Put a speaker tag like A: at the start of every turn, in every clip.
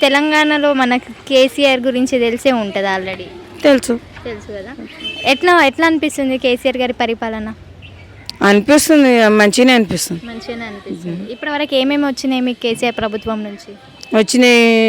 A: తెలంగాణలో మనకు కేసీఆర్ గురించి తెలిసే ఉంటుంది ఆల్రెడీ.
B: తెలుసు
A: తెలుసు కదా. ఎట్లా ఎట్లా అనిపిస్తుంది కేసీఆర్ గారి పరిపాలన?
B: అనిపిస్తుంది, మంచిగానే అనిపిస్తుంది.
A: మంచిగానే అనిపిస్తుంది. ఇప్పటివరకు ఏమేమి వచ్చినాయి మీకు కేసీఆర్ ప్రభుత్వం నుంచి?
B: వచ్చిన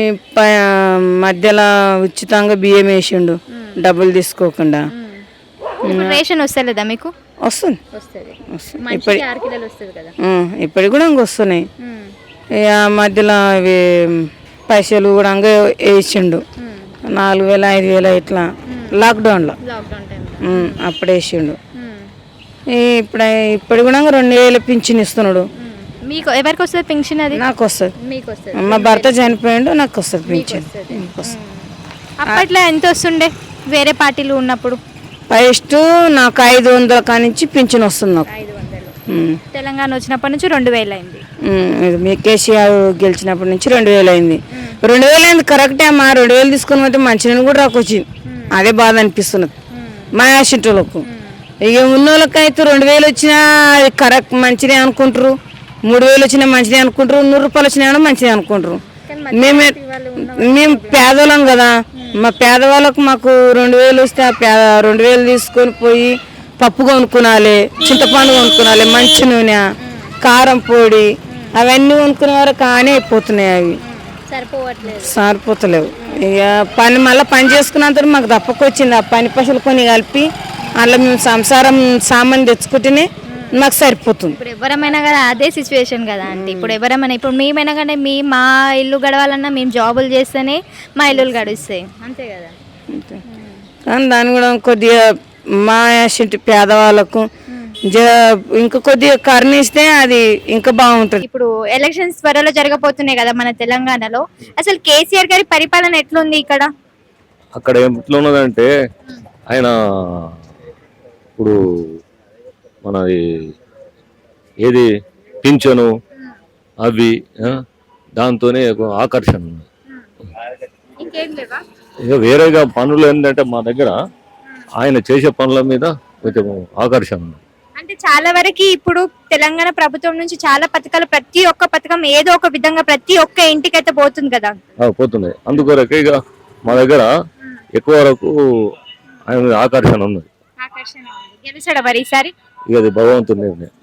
B: మధ్యలో ఉచితంగా బియ్యం వేసిండు, డబ్బులు తీసుకోకుండా.
A: ఇప్పుడు రేషన్ వస్తలేదా మీకు?
B: వస్తుంది
A: వస్తుంది.
B: వస్తుంది.
A: మనిషికి 6 కిలోలు వస్తుంది కదా.
B: ఇప్పటికి కూడా ఇంక వస్తున్నాయి. ఇక మధ్యలో అవి పైసలు కూడా వేసిండు, 4,000 5,000 ఇట్లా లాక్డౌన్లో
A: లాక్డౌన్ టైంలో
B: అప్పుడు వేసిండు. ఇప్పుడు కూడా 2,000 పింఛన్ ఇస్తున్నాడు.
A: మీకు ఎవరికి వస్తుంది పెన్షన్? అది
B: నాకు వస్తుంది.
A: మీకు వస్తుంది.
B: మా భర్త చనిపోయిండు, నాకు వస్తుంది పింఛన్.
A: అప్పట్లో ఎంత వస్తుండే వేరే పార్టీలు ఉన్నప్పుడు?
B: ఫస్ట్ నాకు 500 కానించి పింఛన్ వస్తుంది నాకు.
A: 500. తెలంగాణ వచ్చినప్పటి నుంచి 2,000 అయింది.
B: మీ కేసీఆర్ గెలిచినప్పటి నుంచి 2,000 అయింది. 2,000 అయింది కరెక్టే అమ్మా. 2,000 తీసుకుని పోతే మంచినీళ్ళు కూడా రాకొచ్చింది. అదే బాధ అనిపిస్తున్నది మా యాసింటోళ్ళకు. ఇక ఉన్నోళ్ళకి అయితే 2,000 వచ్చినా అది కరెక్ట్ మంచిదే అనుకుంటారు, 3,000 వచ్చినా మంచిదే అనుకుంటారు, 100 రూపాయలు వచ్చినా మంచిదే అనుకుంటారు. మేము పేదవాళ్ళం కదా, మా పేదవాళ్ళకు మాకు 2,000 వస్తే ఆ 2,000 తీసుకొని పోయి పప్పు కొనుక్కునాలి, చింతపండు కొనుక్కునాలి, మంచి నూనె, కారం పొడి అవన్నీ కొనుక్కునే వరకు కానీ అయిపోతున్నాయి. అవి సరిపోతలేవు. ఇక మళ్ళీ పని చేసుకున్నంత మాకు తప్పకొచ్చింది. ఆ పని పైసలు కొన్ని కలిపి అలా మేము సంసారం సామాన్ తెచ్చుకుంటేనే మాకు సరిపోతుంది.
A: ఇప్పుడు ఎవరమైనా కదా అదే సిచ్యువేషన్ కదా అంటే ఇప్పుడు ఎవరమైనా ఇప్పుడు మేమైనా కానీ మా ఇల్లు గడవాలన్నా మేము జాబులు చేస్తేనే మా ఇల్లులు గడుస్తాయి, అంతే కదా.
B: కానీ దాన్ని కూడా కొద్దిగా మా యాసింటి పేదవాళ్ళకు ఇంకా కొద్దిగా కరుణిస్తే అది ఇంకా బాగుంటుంది.
A: ఇప్పుడు ఎలక్షన్స్ త్వరలో జరగబోతున్నాయి కదా మన తెలంగాణలో. అసలు కేసీఆర్ గారి పరిపాలన ఎట్లుంది ఇక్కడ?
C: అక్కడ ఎట్లా ఉన్నదంటే ఆయన ఇప్పుడు మనది ఏది పింఛను అవి దాంతోనే ఆకర్షణ ఉంది. ఇక వేరేగా పనులు ఏంటంటే మా దగ్గర ఆయన చేసే పనుల మీద కొంచెం ఆకర్షణ ఉంది.
A: అంటే చాలా వరకు ఇప్పుడు తెలంగాణ ప్రభుత్వం నుంచి చాలా పథకాలు, ప్రతి ఒక్క పథకం ఏదో ఒక విధంగా ప్రతి ఒక్క ఇంటికి అయితే పోతుంది కదా.
C: పోతున్నాయి. అందుకొరకే ఇక మా దగ్గర ఎక్కువ వరకు ఆయన ఆకర్షణ ఉన్నది.
A: గెలిచాడా మరి ఈసారి?
C: ఇక అది భగవంతుని నిర్ణయం.